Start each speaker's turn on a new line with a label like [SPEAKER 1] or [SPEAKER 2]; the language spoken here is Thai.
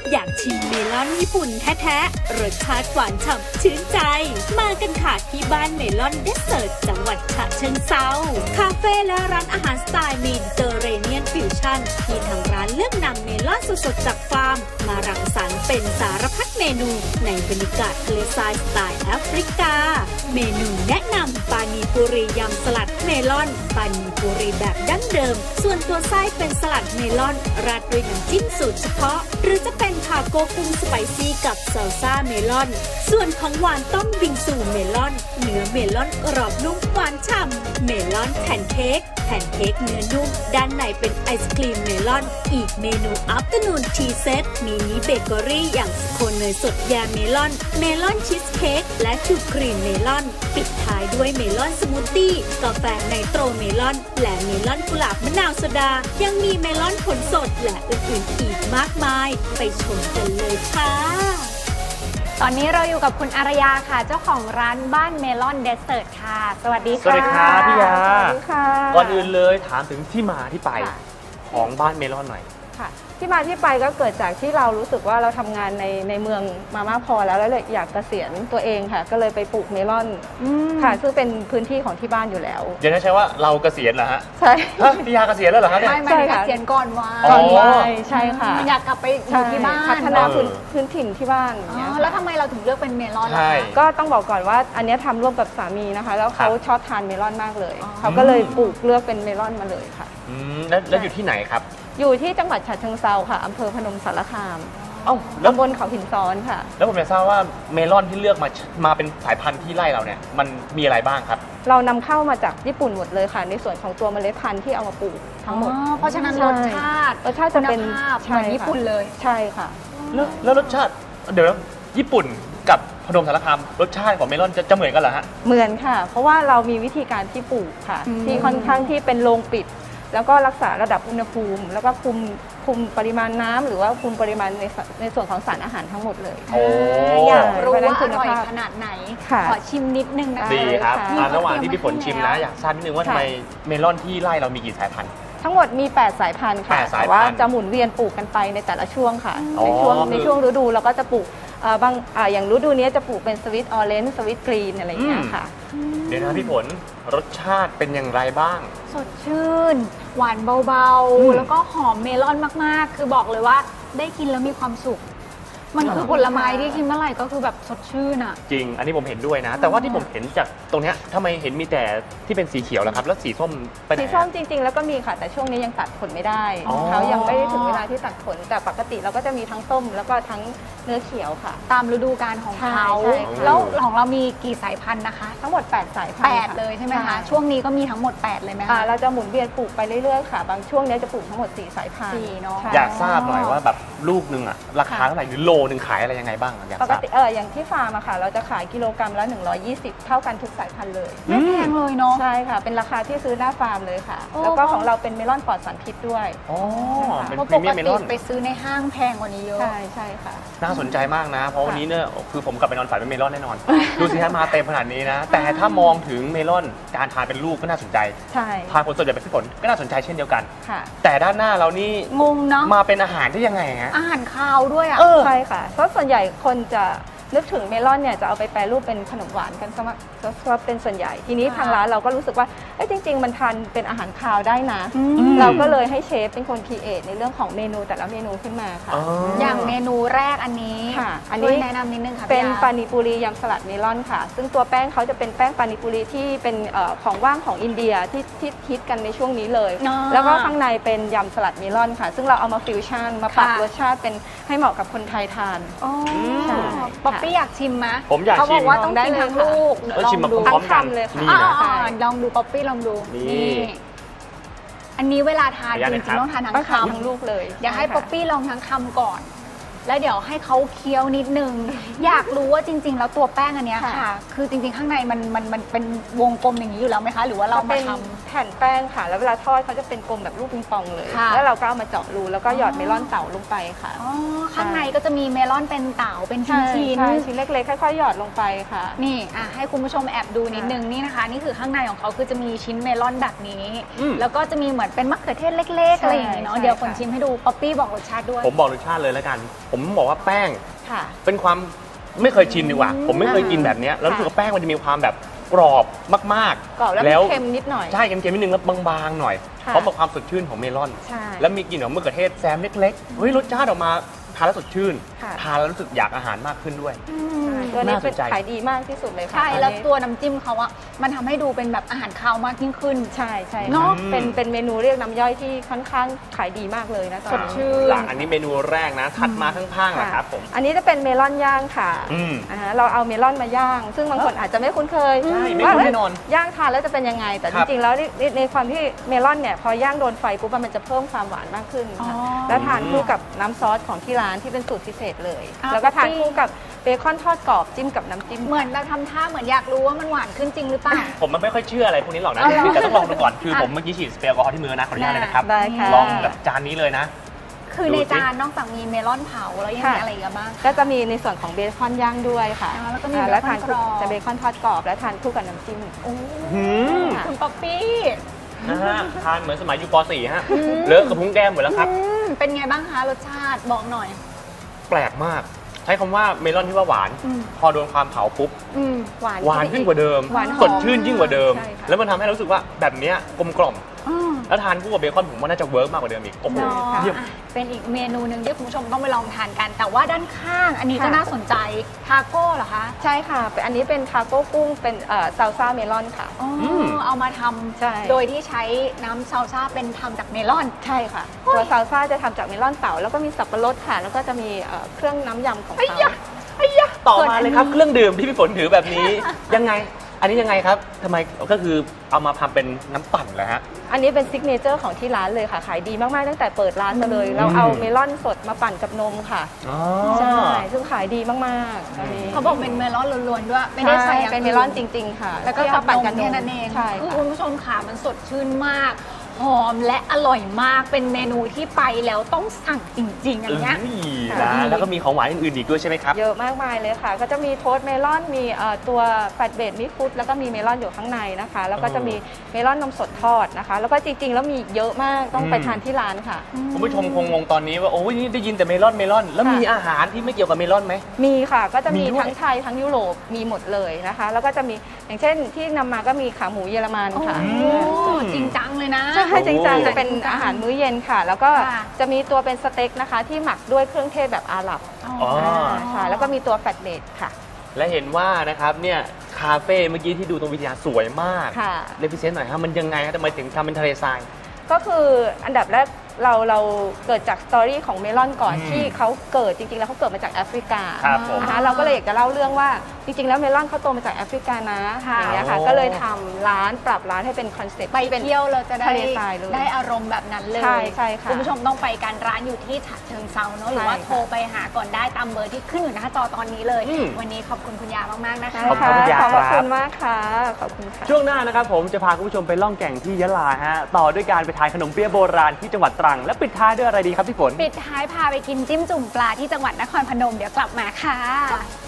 [SPEAKER 1] อยากชิมเมลอนญี่ปุ่นแท้ๆรสชาติหวานฉ่ำชื่นใจมากันค่ะที่บ้านเมลอนเดสเซิร์ตจังหวัดฉะเชิงเทราคาเฟ่และร้านอาหารสไตล์เมดิเตอร์เรเนียนฟิวชั่นที่ทางร้านเลือกนำเมลอนสดๆจากฟาร์มมารังสรรค์เป็นสารพัดเมนูในบรรยากาศทะเลทรายสไตล์แอฟริกาเมนูแนะนำปานีปุรียำสลัดเมลอนปานีปุรีแบบดั้งเดิมส่วนตัวไส้เป็นสลัดเมลอนราดด้วยน้ำจิ้มสูตรเฉพาะหรือจะเป็นทาโก้กุ้งสไปซี่กับซาลซ่าเมลอนส่วนของหวานต้มบิงซูเมลอนเนื้อเมลอนกรอบนุ่มหวานฉ่ำเมลอนแผ่นเค้กเนื้อนุ่มด้านในเป็นไอศครีมเมลอนอีกเมนูอัฟเตอร์นูนทีเซตมินิเบเกอรี่อย่างสโคนเนยสดแยมเมลอนชีสเค้กและชูครีมเมลอนปิดท้ายด้วยเมลอนสมูทตี้กาแฟไนโตรเมลอนและเมลอนกุหลาบมะนาวโซดายังมีเมลอนผลสดและอื่นๆอีกมากมายไปชมกันเลยค่ะ
[SPEAKER 2] ตอนนี้เราอยู่กับคุณอารยาค่ะเจ้าของร้านบ้านเมลอนเดสเซิร์ตค่ะสวัสดีค่ะ
[SPEAKER 3] สวัสดีครับพี่ยา
[SPEAKER 2] สวัสดีค่ะ
[SPEAKER 3] ก่อนอื่นเลยถามถึงที่มาที่ไปของบ้านเมลอนหน่อย
[SPEAKER 4] ค่ะที่มาที่ไปก็เกิดจากที่เรารู้สึกว่าเราทำงานในเมืองมามากพอแล้วเลยอยากเกษียณตัวเองค่ะก็เลยไปปลูกเมลอนค่ะซึ่งเป็นพื้นที่ของที่บ้านอยู่แล้ว
[SPEAKER 3] เดี๋ยวนะใช่ว่าเราเกษียณเหรอฮะ
[SPEAKER 4] ใช่
[SPEAKER 3] พี่ยาเกษียณแล้วเหรอครับ
[SPEAKER 2] ไม่เกษียณก่อนวัย
[SPEAKER 4] ใช่ค่ะ
[SPEAKER 2] อยากกลับไปอยู่ที่บ้าน
[SPEAKER 4] พัฒนาพื้นถิ่นที่บ้าน
[SPEAKER 2] แล้วทำไมเราถึงเลือกเป็นเมลอนล่ะ
[SPEAKER 4] ก็ต้องบอกก่อนว่าอันนี้ทำร่วมกับสามีนะคะแล้วเขาชอบทานเมลอนมากเลยเขาก็เลยปลูกเลือกเป็นเมลอนมาเลยค่ะ
[SPEAKER 3] แล้วอยู่ที่ไหนครับ
[SPEAKER 4] อยู่ที่จังหวัดฉะเชิงเทราค่ะอำเภอพนมสารคาม
[SPEAKER 3] แล้ว
[SPEAKER 4] บนเขาหินซ้อนค่ะ
[SPEAKER 3] แล้วผมอยากทราบว่าเมลอนที่เลือกมาเป็นสายพันธุ์ที่ไร่เราเนี่ยมันมีอะไรบ้างครับ
[SPEAKER 4] เรานำเข้ามาจากญี่ปุ่นหมดเลยค่ะในส่วนของตัวเมล็ดพันธุ์ที่เอามาปลูกทั้งหมด
[SPEAKER 2] เพราะฉะนั้นรสชาติ
[SPEAKER 4] จะเป็น
[SPEAKER 2] เหมือนญี่ปุ่นเลย
[SPEAKER 4] ใช่ค่ะ
[SPEAKER 3] แล้วรสชาติเดี๋ยวญี่ปุ่นกับพนมสารคามรสชาติของเมลอนจะเหมือนกันเหรอฮะ
[SPEAKER 4] เหมือนค่ะเพราะว่าเรามีวิธีการที่ปลูกค่ะที่ค่อนข้างที่เป็นโรงปิดแล้วก็รักษาระดับอุณหภูมิแล้วก็คุมปริมาณน้ำหรือว่าคุมปริมาณในส่วนของสารอาหารทั้งหมดเลย
[SPEAKER 2] อยากรู้ว่าอร่อยขนาดไหนขอชิมนิดนึงนะ
[SPEAKER 3] ดีครับระหว่างที่พี่ฝนชิมนะอยากทราบนิดนึงว่าทำไมเมลอนที่ไร่เรามีกี่สายพันธุ์
[SPEAKER 4] ทั้งหมดมี8สายพันธุ์ค่ะแต่ว่าจะหมุนเวียนปลูกกันไปในแต่ละช่วงค่ะในช่วงฤดูเราก็จะปลูกบางอย่างฤดูนี้จะปลูกเป็นสวิตออเรนจ์สวิตกรีนอะไรอย่างเงี้ยค่ะ
[SPEAKER 3] เดี๋ยวนะพี่ฝนรสชาติเป็นอย่างไรบ้าง
[SPEAKER 2] สดชื่นหวานเบาๆแล้วก็หอมเมลอนมากๆคือบอกเลยว่าได้กินแล้วมีความสุขมันคือผลไม้ที่กินเมื่อไหร่ก็คือแบบสดชื่นอ่ะ
[SPEAKER 3] จริงอันนี้ผมเห็นด้วยนะแต่ว่าที่ผมเห็นจากตรงเนี้ยทำไมเห็นมีแต่ที่เป็นสีเขียวแล้วครับแล้วสีส้มไปไหน
[SPEAKER 4] สีส้มจริงๆแล้วก็มีค่ะแต่ช่วงนี้ยังตัดผลไม่ได้เขายังไม่ได้ถึงเวลาที่ตัดผลแต่ปกติเราก็จะมีทั้งส้มแล้วก็ทั้งเนื้อเขียวค่ะ
[SPEAKER 2] ตามฤดูกาลของเขาแล้วของเรามีกี่สายพันธุ์นะคะ
[SPEAKER 4] ทั้งหมด8สายพันธุ์
[SPEAKER 2] 8เลยใช่ไหมคะช่วงนี้ก็มีทั้งหมด8เลยไหมคะ
[SPEAKER 4] เราจะหมุนเวียนปลูกไปเรื่อยๆค่ะบางช่วงนี้จะปลูกทั้งหมด4สายพันธุ์
[SPEAKER 2] เนาะ
[SPEAKER 3] อยากทราบหน่อยว่าแบบลูกนึงอะราคาเท่าไหร่หรือโลนึงขายอะไรยังไงบ้าง
[SPEAKER 4] ปกติอย่างที่ฟาร์มอะค่ะเราจะขายกิโลกรัมละ120เท่ากันทุกสายพันธุ์เลย
[SPEAKER 2] ไม่แพงเลยเนาะ
[SPEAKER 4] ใช่ค่ะเป็นราคาที่ซื้อหน้าฟาร์มเลยค่ะแล้วก็ของเราเป็นเมลอนปลอดสารพิษด้วย
[SPEAKER 3] เป็น
[SPEAKER 2] พรีเมียมเมลอนไปซื้อในห้างแพงกว่านี้เยอะ
[SPEAKER 4] ใช่ค่ะ
[SPEAKER 3] น่าสนใจมากนะเพราะวันนี้เนี่ยคือผมกลับไปนอนฝันเป็นเมลอนแน่นอนดูสิฮะมาเต็มขนาดนี้นะแต่ถ้ามองถึงเมลอนการทานเป็นลูกก็น่าสนใจ
[SPEAKER 4] ใช่
[SPEAKER 3] ทานผลสดแบบพี่ฝนก็น่าสนใจเช่นเดียวกันแต่ด้านหน้าเรานี่
[SPEAKER 2] งงเนาะ
[SPEAKER 3] มาเป็นอาหารได้ยังไงฮะ
[SPEAKER 2] อาหารคาวด้วยอ่ะ
[SPEAKER 4] ใช่ค่ะเพราะส่วนใหญ่คนจะนึกถึงเมลอนเนี่ยจะเอาไปแปรรูปเป็นขนมหวานกันซะเป็นส่วนใหญ่ทีนี้ทางร้านเราก็รู้สึกว่าจริงๆมันทานเป็นอาหารคาวได้นะเราก็เลยให้เชฟเป็นคนครีเอทในเรื่องของเมนูแต่ละเมนูขึ้นมาค่ะ
[SPEAKER 2] อย่างเมนูแรกอันนี้
[SPEAKER 4] ค่ะอันนี้
[SPEAKER 2] แนะนำนิดนึงค่ะ
[SPEAKER 4] เป็นปานิปุรียำสลัดเมลอนค่ะซึ่งตัวแป้งเขาจะเป็นแป้งปานิปุรีที่เป็นของว่างของอินเดียที่ฮิตกันในช่วงนี้เลยแล้วก็ข้างในเป็นยำสลัดเมลอนค่ะซึ่งเราเอามาฟิวชั่นมาปรับรสชาติเป็นให้เหมาะกับคนไทยทาน
[SPEAKER 2] ป๊อปปี้อยากชิมไหม
[SPEAKER 3] ผมอยากชิม
[SPEAKER 2] เขาบอกว่าต้องกินทั้งลูก
[SPEAKER 3] ลองดู
[SPEAKER 4] ทั้งคำเลยค่ะ
[SPEAKER 2] ลองดูป๊อปปี้ลองดูนี่อันนี้เวลาทานจริงๆต้องทานทั้งคำ
[SPEAKER 4] ทั้งลูกเลย
[SPEAKER 2] เดี๋ยวให้ป๊อปปี้ลองทั้งคำก่อนแล้วเดี๋ยวให้เขาเคี้ยวนิดนึงอยากรู้ว่าจริงๆแล้วตัวแป้งอันนี้ค่ะคือจริงๆข้างในมันเป็นวงกลมอย่างนี้อยู่แล้วไหมคะหรือว่าเรามาทำ
[SPEAKER 4] แผ่นแป้งค่ะแล้วเวลาทอดเขาจะเป็นกลมแบบลูกปิงปองเลยแล้วเราก็เอามาเจาะรูแล้วก็หยอดเมลอนเต๋าลงไปค่ะ
[SPEAKER 2] ข้างในก็จะมีเมลอนเป็นเต๋าเป็นชิ้น
[SPEAKER 4] ชิ้นเล็กๆค่อยๆหยอดลงไปค่ะ
[SPEAKER 2] นี่ให้คุณผู้ชมแอบดูนิดนึงนี่นะคะนี่คือข้างในของเขาคือจะมีชิ้นเมลอนแบบนี้แล้วก็จะมีเหมือนเป็นมะเขือเทศเล็กๆอะไรอย่างนี้เนาะเดี๋ยวคนชิมให้ดูป๊อปปี้บอกรสชาติด้วย
[SPEAKER 3] ผมบอกรสชาติเลยแล้วกันผมผมบอกว่าแป้ง
[SPEAKER 4] ค่ะ
[SPEAKER 3] เป็นความไม่เคยชินดีกว่า ผมไม่เคยกินแบบเนี้ยแล้วรู้สึกว่าแป้งมันจะมีความแบบกรอบมากๆ
[SPEAKER 4] กรอบแล้วมีเค็มนิดหน่อย
[SPEAKER 3] ใช่เค็มๆนิดนึงแล้วบางๆหน่อย
[SPEAKER 4] ค่ะ
[SPEAKER 3] พร้อมกับความสดชื่นของเมลอน
[SPEAKER 4] ใช่
[SPEAKER 3] แล้วมีกลิ่นของมะเขือเทศแซมเล็กๆเฮ้ยรสชาติออกมาทานแล้วสดชื่น
[SPEAKER 4] ค่ะ
[SPEAKER 3] ทานแล้วรู้สึกอยากอาหารมากขึ้นด้วย
[SPEAKER 4] ตัวนี้
[SPEAKER 3] น่าสน
[SPEAKER 4] เป็น
[SPEAKER 3] ใจ
[SPEAKER 4] ขายดีมากที่สุดเลยค่ะ
[SPEAKER 2] ใช่
[SPEAKER 4] อันนี้
[SPEAKER 2] แล้วตัวน้ำจิ้มเขาอะมันทำให้ดูเป็นแบบอาหารคาวมากยิ่งขึ้น
[SPEAKER 4] ใช่ใช่
[SPEAKER 2] เนอะ
[SPEAKER 4] เป็นเมนูเรียกน้ำย่อยที่ค่อนข้างขายดีมากเลยนะตอน
[SPEAKER 2] สด
[SPEAKER 4] นี้
[SPEAKER 2] ชื่น
[SPEAKER 3] อันนี้เมนูแรกนะ ถัดมาข้างๆนะครับผม
[SPEAKER 4] อันนี้จะเป็นเมลอนย่างค่ะ
[SPEAKER 3] อืม
[SPEAKER 4] เราเอาเมลอนมาย่าง ซึ่งบางคนอาจจะไม่คุ้นเคย
[SPEAKER 3] ใช่ไม่
[SPEAKER 4] ว่า
[SPEAKER 3] คุ้นแน่นอน
[SPEAKER 4] ย่างทานแล้วจะเป็นยังไง แต่
[SPEAKER 3] ค
[SPEAKER 4] จ
[SPEAKER 3] รับ
[SPEAKER 4] ริงๆแล้วในความที่เมลอนเนี่ยพอย่างโดนไฟปุ๊บมันจะเพิ่มความหวานมากขึ้นค่ะ
[SPEAKER 2] อ๋อ
[SPEAKER 4] แล้วทานคู่กับน้ำซอสของที่ร้านที่เป็นสูตรพิเศษเลย
[SPEAKER 2] อ่า
[SPEAKER 4] แล้วก็ทาน
[SPEAKER 2] จริง
[SPEAKER 4] คู่กับเบคอนทอดกรอบจิ้มกับน้ำจิ้ม
[SPEAKER 2] เหมือนเราทำท่าเหมือนอยากรู้ว่ามันหวานขึ้นจริงหรือเปล่า
[SPEAKER 3] ผมมันไม่ค่อยเชื่ออะไรพวกนี้หรอกนะ
[SPEAKER 2] อ๋อเหรอ
[SPEAKER 3] แต่ต้องลองดูก่อน คือผมเมื่อกี้ฉีดสเปรย์แอลกอฮอล์ที่มือนะ ขออนุญาตเลยนะครับ
[SPEAKER 4] ได้ค่ะ
[SPEAKER 3] ลองแบบจานนี้เลยนะ
[SPEAKER 2] คือในจานนอกจากมีเมลอนเผาแล้วยังมีอะไรอีกบ้าง
[SPEAKER 4] ก็จะมีในส่วนของเบคอนย่างด้วยค่ะ
[SPEAKER 2] อ่าแล้วก็มี
[SPEAKER 4] แล้วทาน
[SPEAKER 2] เบคอนกรอบ
[SPEAKER 4] จะเบคอนทอดกรอบแล้วทานคู่กับน้ำจิ้ม
[SPEAKER 2] โอ้
[SPEAKER 3] หืม
[SPEAKER 2] คุณป๊อปปี้
[SPEAKER 3] นะฮะ ทานเหมือนสมัยอยู่ป .4 ฮะ เลอะกระพุ้งแก้มหมดแล้วครับ
[SPEAKER 2] เป็นไงบ้างคะรสชาติบอกหน่อย
[SPEAKER 3] แปลกมาก ใช้คำว่าเมลอนที่ว่าหวาน พอโดนความเผาปุ๊บ หวานขึ้นกว่าเดิม
[SPEAKER 4] หวานหอม
[SPEAKER 3] สดชื่นยิ่งกว่าเดิม
[SPEAKER 4] ใช่ค่ะ
[SPEAKER 3] แล้วมันทำให้เรารู้สึกว่าแบบเนี้ยกลมกล่อม แล้วทานคู่กับเบคอนผมว่าน่าจะเวิร์กมากกว่าเดิมอีก โอ้โห
[SPEAKER 2] เนาะ
[SPEAKER 3] เยี่ยม
[SPEAKER 2] อ่ะเป็นอีกเมนูหนึ่งที่คุณผู้ชมต้องไปลองทานกัน แต่ว่าด้านข้างอันนี้ก็
[SPEAKER 4] ค่ะ
[SPEAKER 2] น่าสนใจทาโก้เหรอคะ
[SPEAKER 4] ใช่ค่ะอันนี้เป็นทาโก้กุ้งเป็นซาลซ่าเมลอนค่ะ
[SPEAKER 2] อ๋อ
[SPEAKER 3] ม
[SPEAKER 2] เอามาท
[SPEAKER 4] ใช่
[SPEAKER 2] ำโดยที่ใช้น้ำซาลซ่าเป็นทำจากเมลอน
[SPEAKER 4] ใช่ค่ะ ตัวซาลซ่าจะทำจากเมลอนเต่าแล้วก็มีสับปะรดค่ะ แล้วก็จะมีเครื่องน้ำยำของ
[SPEAKER 2] ไอ้
[SPEAKER 4] เขา
[SPEAKER 2] ยะไอ้ยะ
[SPEAKER 3] ต่อมาเลยครับ เครื่องดื่มที่พี่ฝนถือแบบนี้ ยังไง อันนี้ยังไงครับทำไมก็คือเอามาทำเป็นน้ำปั่นเหรอฮะ
[SPEAKER 4] อันนี้เป็นซิกเนเจอร์ของที่ร้านเลยค่ะ ขายดีมากๆตั้งแต่เปิดร้านมาเลย เราเอาเมลอนสดมาปั่นกับนมค่ะ
[SPEAKER 3] อ๋อ
[SPEAKER 4] ใช่ซึ่งขายดีมากๆอันนี้
[SPEAKER 2] เขาบอกเป็นเมลอนล้วนๆด้วย ไม่ได้ใส่อย่าง
[SPEAKER 4] เป็นเมลอนจริง ๆ ค่ะ
[SPEAKER 2] แล้วก็
[SPEAKER 4] ที่
[SPEAKER 2] กั
[SPEAKER 4] เอา
[SPEAKER 2] บ
[SPEAKER 4] ปั่น
[SPEAKER 2] น
[SPEAKER 4] กับ
[SPEAKER 2] ม
[SPEAKER 4] น
[SPEAKER 2] แค่
[SPEAKER 4] ม
[SPEAKER 2] นั้นเอง
[SPEAKER 4] ใช่
[SPEAKER 2] คือ
[SPEAKER 4] ค่ะ
[SPEAKER 2] คุณผู้ชมค่ะมันสดชื่นมาก หอมและอร่อยมาก เป็นเมนูที่ไปแล้วต้องสั่งจริงๆอย่างเงี้ย
[SPEAKER 3] นะแล้วก็มีของหวานอื่นๆอีกด้วยใช่ไหมครับ
[SPEAKER 4] เยอะมากมายเลยค่ะ ก็จะมีโทสต์เมลอน มีตัวแฟตเบดมิกฟุตแล้วก็มีเมลอนอยู่ข้างในนะคะ แล้วก็จะมีเมลอนนมสดทอดนะคะ แล้วก็จริงๆ แล้วมีเยอะมากต้องไปทานที่ร้านค่ะ
[SPEAKER 3] คุณผู้ชมคงงงตอนนี้ว่าโอ้ยนี่ได้ยินแต่เมลอนแล้ว
[SPEAKER 4] ค่ะ
[SPEAKER 3] มีอาหารที่ไม่เกี่ยวกับเมลอนไหม
[SPEAKER 4] มีค่ะ ก็จะมี
[SPEAKER 3] มีด้วย
[SPEAKER 4] ทั้งไทยทั้งยุโรปมีหมดเลยนะคะ แล้วก็จะมีอย่างเช่นที่นำมาก็มีขาหมูเยอรมันค่ะ
[SPEAKER 2] โอ้จริงจังเลยนะ
[SPEAKER 4] ใช่จริงจังจะเป็นอาหารมื้อเย็นค่ะ แล้วก็
[SPEAKER 2] ค่ะ
[SPEAKER 4] จะมีตัวเป็นสเต็กนะคะ ที่หมักด้วยเครื่องเทศแบบอาหรับ
[SPEAKER 3] อ๋อ
[SPEAKER 4] ค่ะ แล้วก็มีตัวแฟตเบดค่ะ
[SPEAKER 3] และเห็นว่านะครับเนี่ยคาเฟ่เมื่อกี้ที่ดูตรงวิทยาสวยมาก
[SPEAKER 4] ค่ะ
[SPEAKER 3] เลพิเศษหน่อยฮะมันยังไงฮะทำไมถึงทำเป็นทะเลทราย
[SPEAKER 4] ก็คืออันดับแรกเราเกิดจากสตอรี่ของเมลอนก่อน
[SPEAKER 3] อืม
[SPEAKER 4] ที่เขาเกิดจริงๆแล้วเขาเกิดมาจากแอฟริกา
[SPEAKER 3] ครับผม
[SPEAKER 4] นะคะเราก็เลยอยากจะเล่าเรื่องว่าจริงๆแล้วเมลอนเขาโตมาจากแอฟริกานะ
[SPEAKER 2] ค่ะ
[SPEAKER 4] อย่างเงี้ยค่ะ
[SPEAKER 3] โอ้
[SPEAKER 4] ก็เลยทำร้านปรับร้านให้เป็นคอนเซ็ปต์
[SPEAKER 2] ไป
[SPEAKER 4] ที่เป็น
[SPEAKER 2] เที่ยวเราจะได้
[SPEAKER 4] ทะเลทรายเลย
[SPEAKER 2] ได้อารมณ์แบบนั้นเลย
[SPEAKER 4] ใช่ใช่ค่ะ
[SPEAKER 2] คุณผู้ชมต้องไปกันร้านอยู่ที่ฉะเชิงเซาเนอะหรือว่า
[SPEAKER 4] ใช่ค่ะ
[SPEAKER 2] โทรไปหาก่อนได้ตามเบอร์ที่ขึ้นอยู่หน้าจอตอนนี้เลย
[SPEAKER 3] อืม
[SPEAKER 2] วันนี้ขอบคุณคุณยามากๆนะคะ
[SPEAKER 3] ขอบคุณคุณยา
[SPEAKER 4] ขอบ
[SPEAKER 3] ครับ
[SPEAKER 4] คุณมากค่ะ ขอบคุณค่ะ
[SPEAKER 3] ช่วงหน้านะครับผมจะพาคุณผู้ชมไปล่องแก่งที่ยะลาฮะต่อด้วยการไปทานขนมเปี๊ยะโบราณที่จังหวัดตรังและปิดท้ายด้วยอะไรดีครับพี่ฝน
[SPEAKER 2] ปิดท้ายพาไปกินจิ้มจุ่มปลาที่จังหวัดนครพนมเดี๋ยวกลับมาค่ะ